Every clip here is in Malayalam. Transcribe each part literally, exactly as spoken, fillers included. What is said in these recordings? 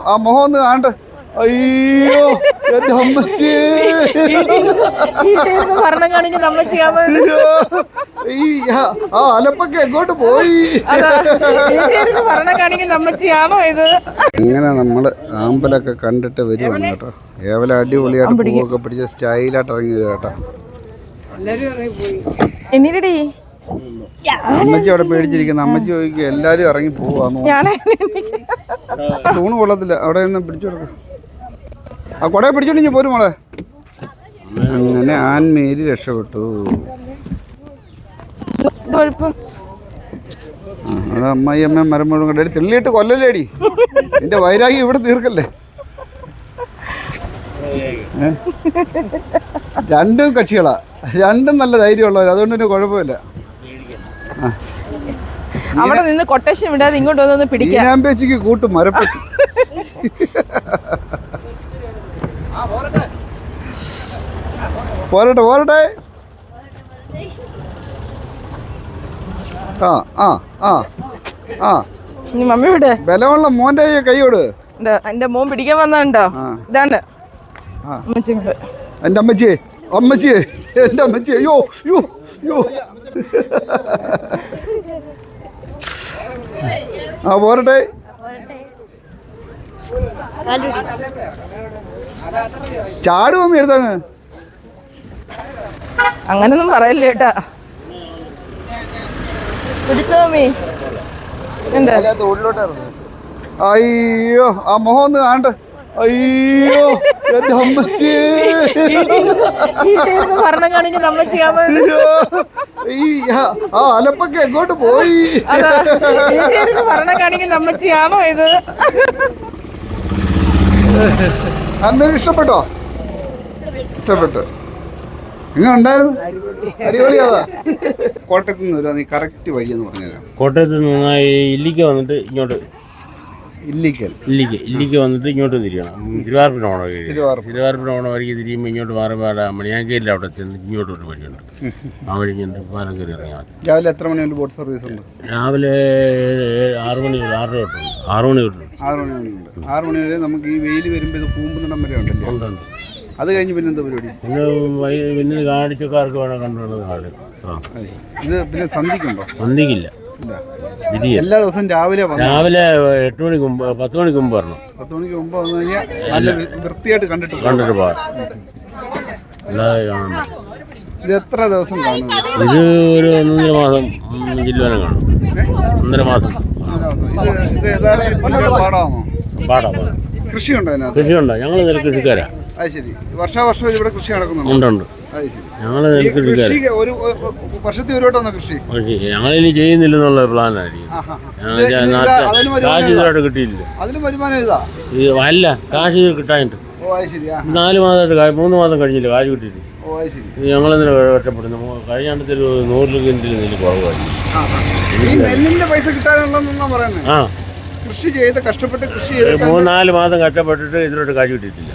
ആ മുഖം ഒന്ന് കാണട്ടെ. അയ്യോ എന്റെ അമ്മച്ചി ഭരണം കാണിക്കുന്ന അമ്മച്ചിയാണോ ഈ ആ അലപ്പൊക്കെ എങ്ങോട്ട് പോയി? ഭരണം കാണിക്കുന്ന അമ്മച്ചിയാണോ ഇത്? ഇങ്ങനെ നമ്മള് ആമ്പലൊക്കെ കണ്ടിട്ട് വരുവാണ് കേട്ടോ. ഏവല അടിപൊളിയായിട്ട് പൂവൊക്കെ പിടിച്ച സ്റ്റൈലായിട്ട് ഇറങ്ങി വരും കേട്ടോ. അമ്മച്ചി അവിടെ പേടിച്ചിരിക്കുന്ന അമ്മച്ചി ചോദിക്കും എല്ലാരും ഇറങ്ങി പോവാന്നോ. തൂണ് കൊള്ളത്തില്ല, അവിടെ നിന്ന് പിടിച്ചു കൊടുക്കും. ആ കൊടയെ പിടിച്ചോണ്ടി പോരും മോളെ. അങ്ങനെ ആൻമേരി രക്ഷപ്പെട്ടു. അത് അമ്മായി അമ്മ മരം മുഴുവൻ കണ്ടേ തെള്ളിയിട്ട് കൊല്ലല്ലേടി. നിന്റെ വൈരാഗ്യം ഇവിടെ തീർക്കല്ലേ. രണ്ടും കക്ഷികളാ, രണ്ടും നല്ല ധൈര്യമുള്ളവർ, അതുകൊണ്ട് തന്നെ കുഴപ്പമില്ല. അവിടെ നിന്ന് കൊട്ടേഷൻ വിടാതെ ഇങ്ങോട്ട് വന്ന് പിടിക്കാം. പേച്ചിക്ക് കൂട്ടും മരപ്പെട്ടി. പോരട്ടെ പോരട്ടെ. ആ ആ ആ ആ മമ്മി വിടെ ബലമുള്ള മോന്റെ കൈയോട് എന്റെ മോൻ പിടിക്കാൻ വന്നോ. ഇതാണ് എന്റെ അമ്മച്ചിയെ അമ്മച്ചിയെ എന്റെ അമ്മച്ചിയെ. യോ യോ യോ ആ പോരട്ടെ. ചാടും അമ്മ എടുത്തങ്ങ്. അങ്ങനൊന്നും പറയല്ലേ കേട്ടാ. അയ്യോ ആ മുഖം ഒന്ന് കാണട്ടെ. അയ്യോ എന്റെ അമ്മച്ചി ഭരണം കാണിക്കുന്ന അമ്മച്ചിയാണോ ഈ ആ അലപ്പൊക്കെ എങ്ങോട്ട് പോയി? ഭരണം കാണിക്കുന്ന അമ്മച്ചിയാണോ ഇത്? അന്നേരം ഇഷ്ടപ്പെട്ടോ? ഇഷ്ടപ്പെട്ടു. ഇങ്ങനെ ഉണ്ടായിരുന്നു അടിപൊളിയാതാ. കോട്ടയത്ത് നിന്ന് വരും, നീ കറക്റ്റ് വഴിയെന്ന് പറഞ്ഞുതരാം. കോട്ടയത്ത് നിന്ന് ഇല്ലിക്ക വന്നിട്ട് ഇങ്ങോട്ട് ഇല്ലിക്കൽ ഇല്ലിക്ക ഇല്ലിക്ക വന്നിട്ട് ഇങ്ങോട്ട് തിരിയണം. തിരുവാർപ്പിന് ഓണം തിരുവാർപ്പിന് ഓണം വഴിക്ക് തിരിയുമ്പോൾ ഇങ്ങോട്ട് മാറുമ്പോൾ മണിയാങ്കേരിൽ അവിടെ ചെന്ന് ഇങ്ങോട്ട് ഒരു വഴിയുണ്ട്. ആ വഴി ഇങ്ങോട്ട് പാലം കയറി ഇറങ്ങിയാൽ മതി. രാവിലെ എത്ര മണി ബോട്ട് സർവീസ് ഉണ്ട്? രാവിലെ ആറ് മണി ആറര തൊട്ടുണ്ട്. ആറ് മണി തൊട്ടുണ്ട്. ആറ് മണി വരെയുണ്ട്. ആറ് മണി വരെ നമുക്ക് ഈ വെയിൽ വരുമ്പോൾ ഇത് കൂമ്പുന്നിടം വരെ ഉണ്ടല്ലോ. ഉണ്ടുണ്ട്. അത് കഴിഞ്ഞ് പിന്നെ എന്താ പരിപാടി? പിന്നെ പിന്നെ കാഴ്ചക്കാർക്ക് വേണം കണ്ടുള്ളത് കാട്. ഇത് പിന്നെ സന്ധിക്കുണ്ടോ? സന്ധിക്കില്ല, എല്ലാ ദിവസവും രാവിലെ രാവിലെ എട്ട് മണിക്ക് മുമ്പ് പത്ത് മണിക്ക് മുമ്പ് വരണം. പത്ത് മണിക്ക് മുമ്പ് വന്നു കഴിഞ്ഞാൽ നല്ല വൃത്തിയായിട്ട് കണ്ടിട്ട് കണ്ടിട്ട് പോകാം. അല്ലാതെ കാണാൻ ഇത് എത്ര ദിവസം കാണും? ഇത് ഒരു ഒന്നര മാസം ജില്ലവനം കാണും. ഒന്നര മാസം ഇത് യഥാർത്ഥ പാടാമോ? പാടാ പാടാ. കൃഷിയുണ്ടോ അതിനകത്ത്? കൃഷിയുണ്ടോ? ഞങ്ങൾ നെൽകൃഷിക്കാരാ. അത് ശരി. വർഷാവർഷം ഇവിടെ കൃഷി നടക്കുന്നുണ്ട്? ഉണ്ട് ഉണ്ട്. ഞങ്ങൾ നെൽകൃഷിക്കാരാ. ഒരു വർഷത്തിൽ ഒരു വട്ടം കൃഷി ഞങ്ങളിനി ചെയ്യുന്നില്ലെന്നുള്ള പ്ലാനായിരിക്കും. കാശ് ഇതുമായിട്ട് കിട്ടിയില്ല. അതിന് വരുമാനം ഇതാ അല്ല, കാശ് കിട്ടാനിട്ട് നാല് മാസമായിട്ട് മൂന്ന് മാസം കഴിഞ്ഞില്ല കാശ് കിട്ടിയിട്ട്. ഞങ്ങളെന്തിനാ കഷ്ടപ്പെടുന്നു? കഴിഞ്ഞാണ്ടത്തെ ഒരു നൂറ് കിൻഡിൽ നെല്ല് കുറവായി. നെല്ലിന്റെ പൈസ കിട്ടാനുള്ളതെന്നാ പറയുന്നത്. ആ, കൃഷി ചെയ്ത് കഷ്ടപ്പെട്ട് കൃഷി ചെയ്ത് മൂന്നാല് മാസം കഷ്ടപ്പെട്ടിട്ട് ഇതിലോട്ട് കാശ് കിട്ടിയിട്ടില്ല.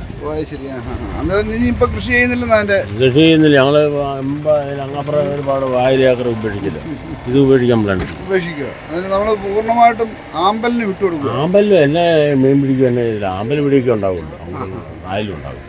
കൃഷി ചെയ്യുന്നില്ല കൃഷി ചെയ്യുന്നില്ല. ഞങ്ങള് അങ്ങപ്പുറം ഒരുപാട് ആയിരം ഏക്കർ ഉപേക്ഷിച്ചില്ല. ഇത് ഉപേക്ഷിക്കാൻ പ്ലാൻ നമ്മള് പൂർണ്ണമായിട്ടും ആമ്പലിന് വിട്ടുകൊടുക്കും. ആമ്പലും എന്നെ മീൻ പിടിക്കുക തന്നെ ചെയ്തില്ല. ആമ്പൽ പിടിക്കുക ഉണ്ടാവുമല്ലോ, ആയാലും ഉണ്ടാവും.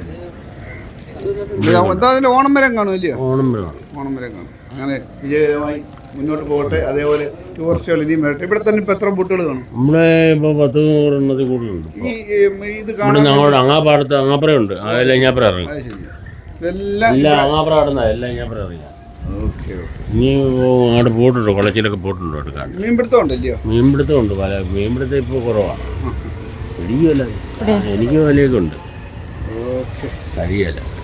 ഓണം വരെ കാണും അല്ലയോ? ഓണം വരെ ഓണം വരെ കാണും. അങ്ങനെ വിജയകരമായി മുന്നോട്ട് പോകട്ടെ. അതേപോലെ ടൂറിസ്റ്റുകൾ ഇനിയും വരട്ടെ. ഇവിടെ തന്നെ ഇപ്പൊ എത്ര ബോട്ടുകൾ കാണും? നമ്മുടെ ഇപ്പൊ പത്ത് നൂറെണ്ണത്തിൽ കൂടുതലുണ്ട്. ഇത് ഞങ്ങളുടെ അങ്ങാപ്പാടത്ത് അങ്ങാപ്പുറയുണ്ട്. എല്ലാം ഇങ്ങാപ്പുറം ഇറങ്ങി. എല്ലാം അങ്ങാപ്പുറം ആടുന്ന എല്ലാം ഇങ്ങാപ്പുറം ഇറങ്ങി. ഇനി അങ്ങോട്ട് പോയിട്ടുണ്ട്, കുളച്ചിലൊക്കെ പോയിട്ടുണ്ട് എടുക്കാൻ. മീൻപിടുത്തം ഉണ്ടല്ലോ? മീൻപിടുത്തം ഉണ്ട്. പല മീൻപിടുത്തം ഇപ്പോൾ കുറവാണ്. പിടിക്കുമല്ല, എനിക്ക് വിലയൊക്കെ ഉണ്ട്. കഴിയല്ല.